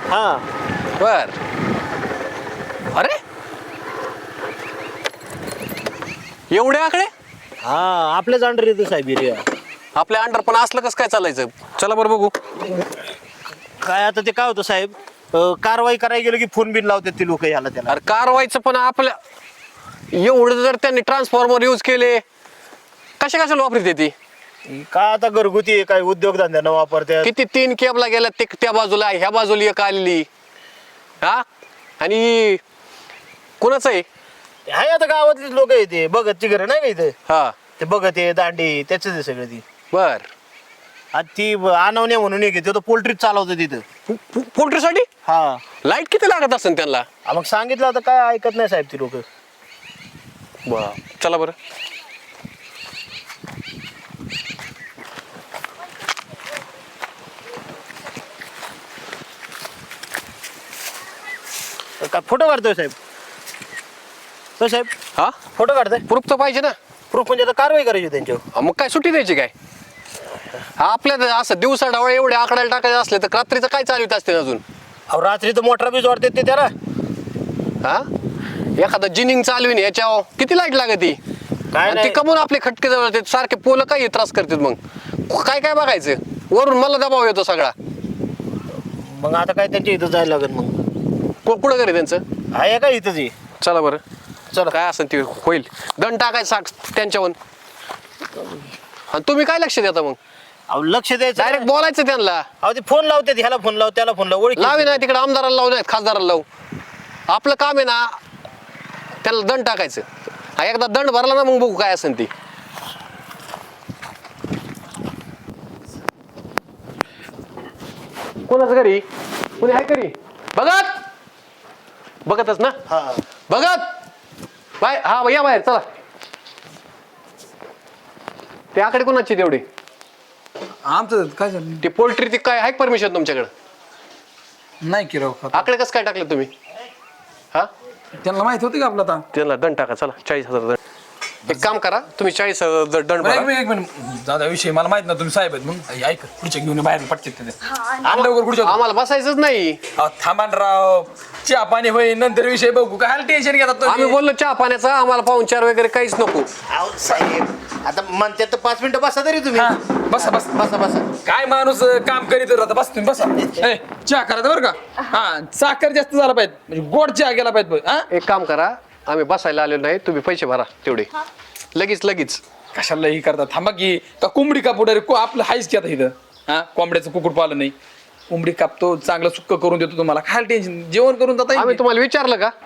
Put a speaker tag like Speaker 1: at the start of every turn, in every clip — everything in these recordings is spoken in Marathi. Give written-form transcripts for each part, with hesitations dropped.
Speaker 1: हा
Speaker 2: बर. अरे एवढे आकडे
Speaker 1: हा आपल्याच अंडर येतो साहेब एरिया.
Speaker 2: आपल्या अंडर पण असलं कसं काय चालायचं. चला बरं बघू.
Speaker 1: काय आता ते काय होतं साहेब, कारवाई करायला गेलं की फोन बिन लावतात ते लोक याला त्याला.
Speaker 2: अरे कारवाईचं पण आपल्या एवढं जर त्यांनी ट्रान्सफॉर्मर यूज केले कशाला वापरते ती.
Speaker 1: काय आता घरगुती आहे, काय उद्योगधंद्यानं वापरतात.
Speaker 2: किती 3 केबला गेल्या ते त्या बाजूला ह्या बाजूला एक आलेली. हा आणि कोणाचं आहे.
Speaker 1: हाय आता गावातलीच लोक आहे ते बघतची घर नाही का इथं.
Speaker 2: हा
Speaker 1: ते बघत आहे दांडी त्याच आहे सगळं ती.
Speaker 2: बर.
Speaker 1: आणि ती आणवण्या म्हणून एक आहे, तो पोल्ट्री चालवतो तिथं.
Speaker 2: पोल्ट्रीसाठी
Speaker 1: हा
Speaker 2: लाईट किती लागत असेल त्यांना.
Speaker 1: मग सांगितलं आता काय ऐकत नाही साहेब ती लोक.
Speaker 2: चला बरं.
Speaker 1: काय फोटो काढतोय साहेब. तो साहेब
Speaker 2: हा
Speaker 1: फोटो काढताय.
Speaker 2: प्रूफ तर पाहिजे ना.
Speaker 1: प्रूफ म्हणजे आता कारवाई करायची त्यांच्यावर.
Speaker 2: मग काय सुट्टी द्यायची काय. आपल्या असं दिवसा ढवळे एवढे आकड्याला टाकायचे असले तर रात्रीचं काय चालवित असते अजून.
Speaker 1: अहो रात्री तर मोटर बीज वाढतात ते त्याला.
Speaker 2: हा एखादा जिनिंग चालवीन याच्यावर किती लाईट लागते.
Speaker 1: काय
Speaker 2: ती
Speaker 1: नाही
Speaker 2: कमून आपले खटके जवळ येतात सारखे पोलं काय त्रास करतात. मग काय बघायचं वरून मला दबाव येतो सगळा.
Speaker 1: मग आता काय त्यांच्या इथं जायला लागेल. मग
Speaker 2: कुठं करे त्यांचं
Speaker 1: आहे का इथंच आहे.
Speaker 2: चला बरं.
Speaker 1: चला
Speaker 2: काय असेल ते होईल. दंड टाकायचं त्यांच्यावर. आणि तुम्ही काय लक्ष देता मग.
Speaker 1: अहो लक्ष द्यायचं
Speaker 2: डायरेक्ट बोलायचं त्यांना.
Speaker 1: अहो ते फोन लावते ह्याला फोन लाव त्याला फोन लाव ओळख
Speaker 2: लावी नाही तिकडे आमदाराला लावू नाहीत खासदाराला लावू. आपलं काम आहे ना त्याला दंड टाकायचं. हा एकदा दंड भरला ना मग बघू काय असेल ती. कोणाचं घरी कोणी आहे घरी बघतच ना.
Speaker 1: हा
Speaker 2: बघत बाय हा या बाहेर चला. ते आकडे कोणाची तेवढी
Speaker 3: आमचं काय झालं
Speaker 2: ती पोल्ट्री ती काय आहे परमिशन तुमच्याकडे.
Speaker 3: नाही की राव
Speaker 2: आकडे कसं काय टाकले तुम्ही. हा
Speaker 3: त्यांना माहित होती का आपला आता.
Speaker 2: त्याला दंड टाका चला 40,000 दंड. एक काम करा तुम्ही 40,000 दंड भरा.
Speaker 3: एक मिनिट दादा विषय मला माहित ना तुम्ही साहेब आहेत मग ऐक पुढच्या घेऊन बाहेर पटकेत ते लवकर पुढच्या
Speaker 2: आम्हाला बसायचंच नाही.
Speaker 3: थांबान राव चहा पाणी होईल नंतर विषय बघू काय टेन्शन घेतात
Speaker 2: आम्ही बोललो चहा पाण्याचा आम्हाला पाहुणचार वगैरे काहीच नको.
Speaker 1: अहो साहेब आता म्हणतात तर 5 मिनिटं बसा तरी तुम्ही.
Speaker 3: बसा बस
Speaker 1: बसा बसा.
Speaker 3: काय माणूस काम करीत राहता बस तुम्ही बसा चहा करायचं बरं का. हा साखर जास्त झाला पाहिजे म्हणजे गोड चहा गेला पाहिजे. हा
Speaker 2: एक काम करा आम्ही बसायला आलेलो नाही तुम्ही पैसे भरा तेवढे लगेच.
Speaker 3: कशाला ही करतात थांबा की का कोंबडी कापूड आपलं हायच की आता इथं. हा कोंबड्याचं कुकुट पाहिलं नाही कोंबडी कापतो चांगलं सुक्क करून देतो तुम्हाला काय टेन्शन जेवण करून जाता
Speaker 2: आम्ही तुम्हाला विचारलं का.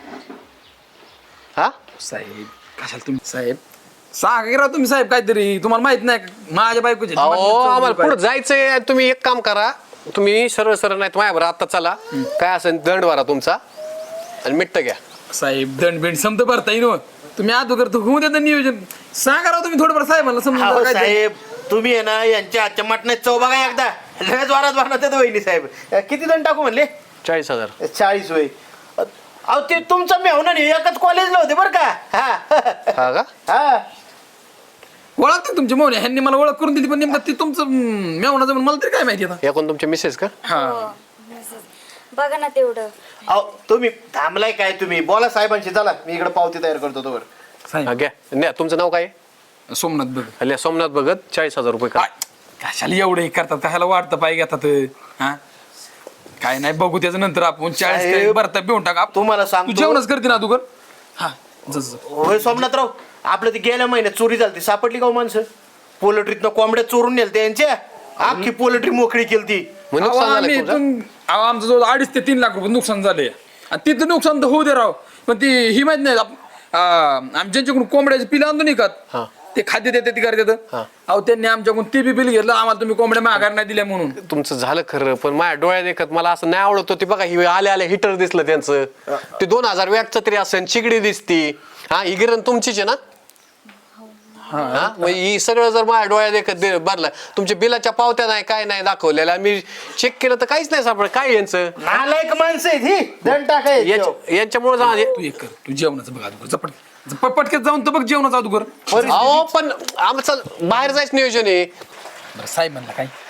Speaker 2: हा
Speaker 3: साहेब कशाला तुम्ही साहेब सांगा तुम्ही साहेब काहीतरी तुम्हाला माहित नाही का? माझ्या बायकोचे
Speaker 2: आम्हाला पुढे जायचंय. तुम्ही एक काम करा तुम्ही सरळ नाही माझ्याबरोबर आता चला काय असेल दंड भरा तुमचा आणि मिट्ट घ्या.
Speaker 3: साहेब दंड बिंड समजा भरता येईल तुम्ही अगोदर होऊ देता नियोजन सांगा राव तुम्ही थोडंफार साहेबांना
Speaker 1: अहो
Speaker 3: समजा
Speaker 1: साहेब तुम्ही आहे ना यांच्या आजच्या मटणात चव बघा एकदा. लगेच वारात भरणार वहिनी साहेब. किती जण टाकू म्हणले.
Speaker 2: 40,000
Speaker 1: 40 होय. अहो ते तुमचं मेहून एकच कॉलेजला होते बरं का.
Speaker 2: हा का
Speaker 1: हा
Speaker 3: ओळखते तुमची मौन ह्यांनी मला ओळख करून दिली पण नेमकं ते तुमचं मेवणाचं मला तरी काय माहिती आता.
Speaker 2: एकूण तुमचे मिसेस का.
Speaker 3: हा
Speaker 4: बघा ना तेवढं.
Speaker 1: अहो तुम्ही थांबलाय काय तुम्ही बोला साहेबांशी. चला मी इकडे पावती तयार करतो तोवर.
Speaker 3: साहेब
Speaker 2: हा, घ्या नाही तुमचं नाव काय
Speaker 3: सोमनाथ बघ
Speaker 2: आहे. सोमनाथ भगत 40,000 रुपये का.
Speaker 3: कशाला एवढं हे करतात कशाला वाटतं पाहिजे घेतात हा काय नाही बघू त्याच्या नंतर आपण 40
Speaker 1: साहेब,
Speaker 3: भरता बिवून टाका
Speaker 1: तुम्हाला
Speaker 3: तू
Speaker 1: सांगतो
Speaker 3: जेवणच करते ना तू कर हा जस
Speaker 1: होय सोमनाथराव आपलं ते गेल्या महिन्यात चोरी झाली सापडली का हो माणसं. पोल्ट्रीतनं कोंबड्या चोरून नेल त्यांच्या अख्खी पोल्ट्री मोकळी केली.
Speaker 2: मग नुकसान झालं का तुमचं?
Speaker 3: आमचं जवळ 2.5 ते 3 लाख रुपये नुकसान झाले आणि तिथं नुकसान तर होऊ दे राव पण ती ही माहित नाही आम्ही ज्यांच्याकडून कोंबड्याचे पिलं आणतो नाही का
Speaker 2: हा.
Speaker 3: ते खाद्य देते ती करतात
Speaker 2: हा.
Speaker 3: अहो त्यांनी आमच्याकडून ते बी बिल घेतलं आम्हाला तुम्ही कोंबड्या माघार नाही दिल्या म्हणून.
Speaker 2: तुमचं झालं खरं पण माझ्या डोळ्यात देखत मला असं नाही आवडत होती बघा. ही आले हिटर दिसलं त्यांचं ते 2,000 वॅटचं तरी असेल चिगडी दिसती. हा ही गिरण तुमचीच आहे ना. हा मग ही सगळं जर माझ्या डोळ्यात देखत भरलं तुमच्या बिलाच्या पावत्या नाही काय नाही दाखवलेल्या मी चेक केलं तर काहीच नाही सापडलं. काय यांचं
Speaker 1: नालायक माणसं आहेत ही. दंड टाकाय
Speaker 2: यांच्यामुळे
Speaker 3: तू एक कर तू जेवणाचं बघा अगोदर पटक्यात जाऊन तर बघ जेवणाचं अगोदर.
Speaker 2: अहो पण आमचं बाहेर जायचं नियोजन आहे.
Speaker 3: बरं साहेब म्हणला काय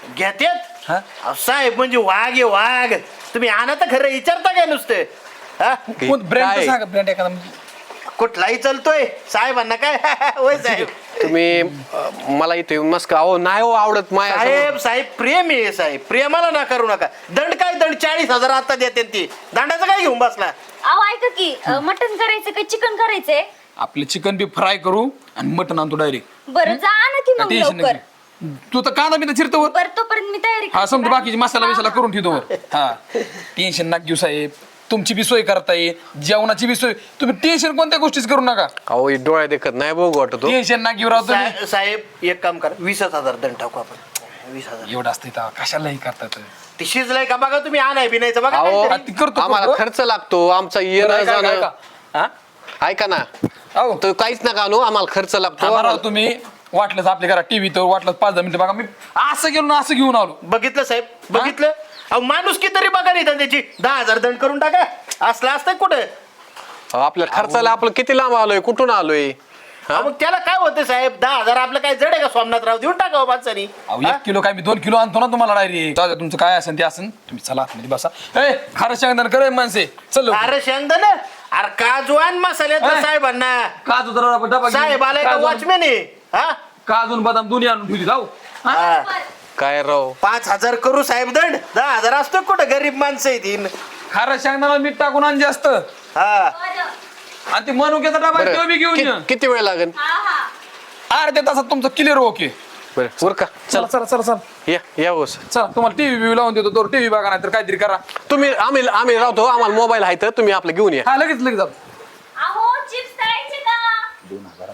Speaker 1: घेतात
Speaker 3: हा?
Speaker 1: अहो, साहेब म्हणजे वाघ आहे वाघ. तुम्ही आणा तर खरं विचारता काय नुसते हा
Speaker 3: कोण ब्रँड
Speaker 2: काय?
Speaker 3: सांगा ब्रँड एखादा
Speaker 1: कुठलाही चालतोय साहेबांना काय होय साहेब.
Speaker 2: तुम्ही मला इथे येऊन मस्का अहो नाही हो आवडत माया
Speaker 1: साहेब साहेब प्रेम आहे साहेब, प्रेमाला ना करू नका. दंड काय दंड 40,000 आता देते ती. दंडाचं काय घेऊन बसला.
Speaker 4: अहो ऐका की मटन करायचं का चिकन करायचंय?
Speaker 3: आपले चिकन बी फ्राय करू आणि मटन आणतो डायरेक्ट.
Speaker 4: बरं जा ना की मग लवकर.
Speaker 3: तू तर कांदा बिना चिरतो वर.
Speaker 4: बरं तोपर्यंत मी तयारी
Speaker 3: हा
Speaker 4: करते.
Speaker 3: समजा बाकीचे मसाला बिसाला करून ठेवतो वर. हा टेन्शन नका घेऊ साहेब, तुमची बी सोय करता येईल, जेवणाची बी सोय. तुम्ही टेन्शन कोणत्या गोष्टीच करू नका.
Speaker 2: अहो हे डोळ्या देखत नाही बघू वाटतो.
Speaker 3: टेन्शन ना घेऊ राव तुम्ही.
Speaker 1: साहेब एक काम करा 20,000 दंड टाकू आपण. 20,000
Speaker 3: एवढं असतं इथं कशालाही करतात.
Speaker 1: ती शिजलाय का बघा तुम्ही, आणाय बिनायचं बघा
Speaker 2: अहो
Speaker 1: काहीतरी.
Speaker 3: ती करतो,
Speaker 2: आम्हाला
Speaker 3: करतो.
Speaker 2: खर्च लागतो आमचा येणं जाणं.
Speaker 3: हा?
Speaker 2: ऐका ना
Speaker 3: अहो,
Speaker 2: तो काहीच नका आणू आम्हाला खर्च लागतो.
Speaker 3: थांबा राव तुम्ही. वाटलंच आपल्या घरात टीव्ही तर वाटलं 5-10 मिनिटं बघा. मी असं गेलो ना असं घेऊन आलो.
Speaker 1: बघितलं साहेब बघितलं. अहो माणूस की तरी बघा नाही त्याची 10,000 दंड करून टाका. असलं असतं कुठं.
Speaker 2: अहो, आपल्या खर्चाला आपलं किती लांब आलोय कुठून आलोय.
Speaker 1: अहो, मग त्याला काय होतं साहेब 10,000 आपलं काय जड आहे का सोमनाथराव देऊन टाकावं माणसानी.
Speaker 3: अहो 1 किलो काय मी 2 किलो आणतो ना तुम्हाला डायरेक्ट. तुमचं काय असेल ते असेल तुम्ही चला आतमध्ये बसा. ए खरं सांगणार करे माणसे चल लवकर.
Speaker 1: अरे शेंगदाण अरे काजू आण मसाल्याचं
Speaker 3: ए.
Speaker 1: साहेबांना.
Speaker 3: काजू जरा डबा घेऊन.
Speaker 1: साहेब आलाय का
Speaker 3: काजू-
Speaker 1: वॉचमॅन आहे हा.
Speaker 3: काजू आणि बदाम दोन्ही आणून ठेवली जाऊ.
Speaker 1: हा.
Speaker 2: काय राव
Speaker 1: 5,000 करू साहेब दंड. 10,000 असतो कुठं गरीब माणसं आहे ती.
Speaker 3: खरं सांगणार मीठ टाकून आण जास्त.
Speaker 1: हा
Speaker 4: बरं.
Speaker 3: आणि ते मनुक्याचा डबा
Speaker 2: बरं,
Speaker 3: तो बी घेऊन ये.
Speaker 2: किती वेळ लागेल.
Speaker 4: हा हा.
Speaker 3: अर्ध्या तासात तुमचं क्लिअर ओके.
Speaker 2: बरं उरका
Speaker 3: चला
Speaker 2: चला
Speaker 3: चला चला चला
Speaker 2: या बस.
Speaker 3: चला तुम्हाला टीव्ही लावून देतो तो टीव्ही बघा नाही तर काहीतरी करा.
Speaker 2: तुम्ही आम्ही राहतो आम्हाला मोबाईल आहे तर तुम्ही आपलं घेऊन या.
Speaker 3: हा लगेच लगेच जाऊ.
Speaker 4: अहो चिप्स तळायचे का?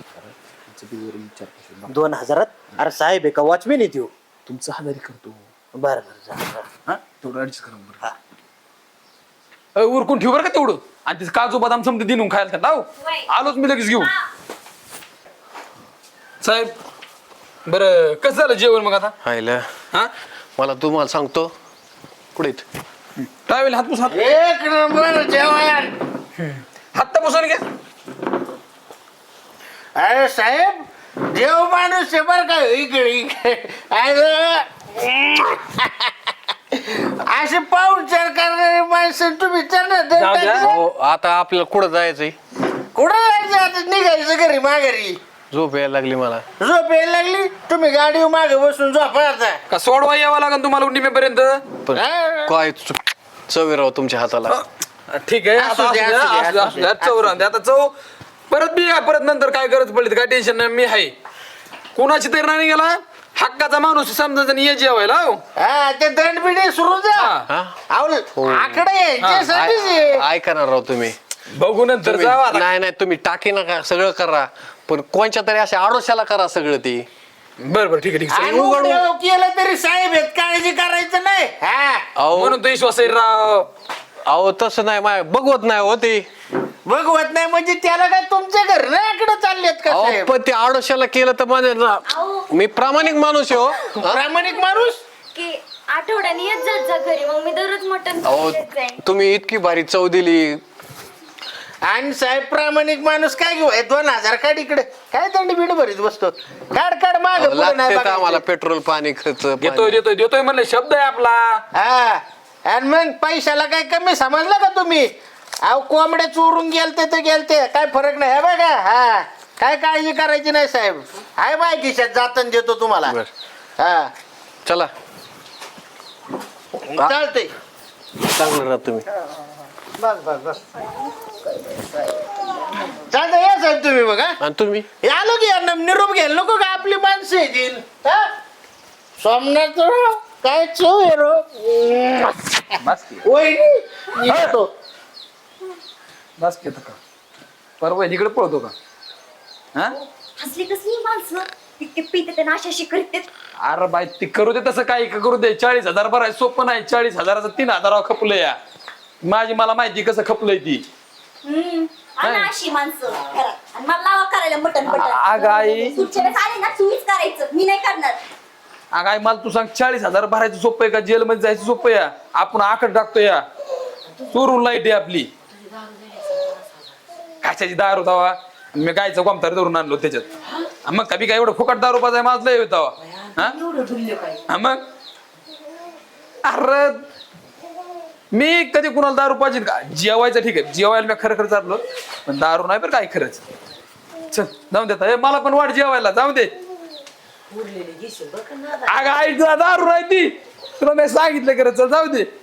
Speaker 1: 2,000 अरे साहेब आहे का वॉचमॅन आहे त्यो.
Speaker 3: तुमचं हजारी करतो.
Speaker 1: बरं बरं जा.
Speaker 3: हा थोडं ऍडजस्ट करा बरं. उरकून ठेव बरं का तेवढं. आणि ते काजू बदाम समजा दिनून खायला त्यांना लाव.
Speaker 4: वय.
Speaker 3: आलोच मी लगेच घेऊन.
Speaker 4: हा.
Speaker 3: साहेब बरं कसं झालं जेवण मग आता.
Speaker 2: हायला
Speaker 3: हा
Speaker 2: मला तुम्हाला सांगतो कुठे आहेत?
Speaker 3: ट्रॅव्हल हात पुसा.
Speaker 1: एक नंबर जेवण.
Speaker 3: हात पुसून घ्या.
Speaker 1: अरे साहेब देव माणूस आहे बरं का इकडे असे पाहुणचार करणारे माणसं तुम्ही त्यांना दंड
Speaker 3: जाऊ द्या.
Speaker 1: द्या.
Speaker 2: हो आता आपल्याला कुठं जायचंय.
Speaker 1: कुठं जायचं आता निघायचं घरी माघारी.
Speaker 2: झोप यायला लागली मला.
Speaker 1: झोप यायला लागली तुम्ही गाडीवर मागे बसून झोपा आता.
Speaker 3: का सोडवा यावं लागेल तुम्हाला निमेपर्यंत.
Speaker 2: पण
Speaker 1: हा.
Speaker 2: काय चवी राव तुमच्या हाताला.
Speaker 3: ठीक आहे
Speaker 1: असू
Speaker 3: आता
Speaker 1: द्या,
Speaker 3: असू द्या,
Speaker 1: असू द्या,
Speaker 3: असू द्या,
Speaker 1: असू
Speaker 3: असू द्या. चव राहून द्या. आता चव परत बी या, परत नंतर काय गरज पडली तर काय टेन्शन नाही मी आहे. कोणाची तरी नाही गेला हक्काचा माणूस समजा ये जेवायला हो.
Speaker 1: हा ते दंड बिडे सुरू जा.
Speaker 2: हा?
Speaker 1: आकडे याच्यासाठीच आहे.
Speaker 2: ऐका ना राव तुम्ही.
Speaker 3: बघू नंतर
Speaker 2: तुम्ही-
Speaker 3: जावा आता.
Speaker 2: नाही नाही तुम्ही टाकी नका सगळं करा पण कोणच्या तरी अशा आडोशाला करा सगळं ती.
Speaker 3: बरं बरं ठीक आहे ठीक आहे.
Speaker 1: आणि उघड केलं तरी साहेब आहेत काळजी करायचं नाही. हा
Speaker 2: अहो
Speaker 3: म्हणून तो विश्वास आहे राव.
Speaker 2: अहो तसं नाही माय बघवत नाही हो ते.
Speaker 1: बघवत नाही म्हणजे त्याला काय तुमच्या घर नाही आकडे चाललेत का
Speaker 2: अहो
Speaker 1: साहेब.
Speaker 2: पण ते आडोशाला केलं तर माझ्या
Speaker 4: अहो.
Speaker 2: मी प्रामाणिक माणूस आहे हो. हा?
Speaker 1: प्रामाणिक माणूस.
Speaker 4: की आठवड्याने येत जात जा घरी मग मी दररोज मटन
Speaker 2: अहो
Speaker 4: देत जाईन.
Speaker 2: तुम्ही इतकी भारी चव दिली.
Speaker 1: आणि साहेब प्रामाणिक माणूस काय घेऊ 2,000 काढ इकडे काय दंड बिड भरीत बसतो. काढ माग
Speaker 2: लागते तर आम्हाला पेट्रोल पाणी खर्च
Speaker 3: देतोय
Speaker 2: पाणी.
Speaker 3: देतोय देतोय म्हणले शब्द आहे आपला.
Speaker 1: हा आणि मग पैशाला काय कमी समजलं का तुम्ही. अहो कोंबड्या चोरून गेलते तर गेलते काय फरक नाही. हे बघा हा काय काळजी करायची नाही साहेब. आहे बाय खिशात जातन देतो तुम्हाला.
Speaker 2: बर.
Speaker 1: हा
Speaker 2: चला
Speaker 1: चालतंय.
Speaker 2: चांगलं राहा तुम्ही.
Speaker 1: बस चालतंय या साहेब तुम्ही बघा.
Speaker 2: आणि तुम्ही
Speaker 1: आलो की यांना निरोप घ्यायला नको का आपली माणसं येतील. सोमनाथ काय चव आहे रो.
Speaker 3: बस की.
Speaker 1: वहिनी येतो.
Speaker 3: बस की आता का परवा इकडे पळतो का. हा
Speaker 4: हसली कसली माणसं इतके पिते ते नाशाशी करते.
Speaker 3: अरे बाई ती करू दे तसं काही का करू दे. 40,000 भराय सोपं नाही. 40,000चं 3,000 खपलं या. माझी मला माहिती कसं खपलंय ती.
Speaker 4: अशी माणसं घरात. आणि मला लावा करायला मटन
Speaker 3: अगं आई.
Speaker 4: पुढच्या वेळेस आले ना तुम्हीच करायचं मी नाही करणार.
Speaker 3: अगं आई मला तू सांग 40,000 भरायचं सोपं आहे का जेलमध्ये जायचं सोपं या. आपण आकड टाकतो या चोरून लाईट आहे आपली. कशाची दारू तवा मी गायचं कोमतार धरून आणलो त्याच्यात. मग कधी काय एवढं फुकट दारू पाजाय माझं लय होता. मग अरे मी कधी कुणाला दारू पाहिजे का? जेवायचं ठीक आहे, जेवायला मी खरं खरं चाललो, पण दारू नाही बरं काय खरंच. चल जाऊन देता हे मला पण वाट जेवायला जाऊ दे. अगं आई तुला दारू नाही ती, तुला मी सांगितलं खरं, चल जाऊ दे.